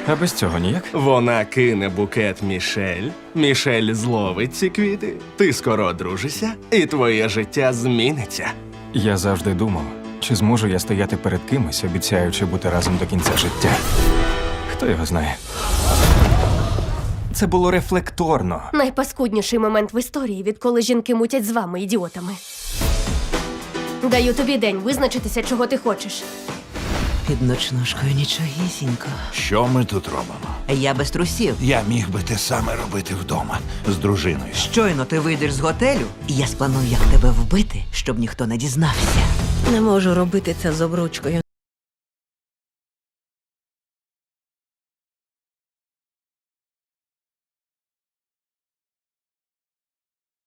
А без цього ніяк? Вона кине букет Мішель, Мішель зловить ці квіти, ти скоро одружишся, і твоє життя зміниться. Я завжди думав, чи зможу я стояти перед кимось, обіцяючи бути разом до кінця життя. Хто його знає? Це було рефлекторно. Найпаскудніший момент в історії, відколи жінки мутять з вами, ідіотами. Даю тобі день визначитися, чого ти хочеш. Під ночнушкою нічогісінько. Що ми тут робимо? Я без трусів. Я міг би те саме робити вдома з дружиною. Щойно ти вийдеш з готелю, і я спланую, як тебе вбити, щоб ніхто не дізнався. Не можу робити це з обручкою.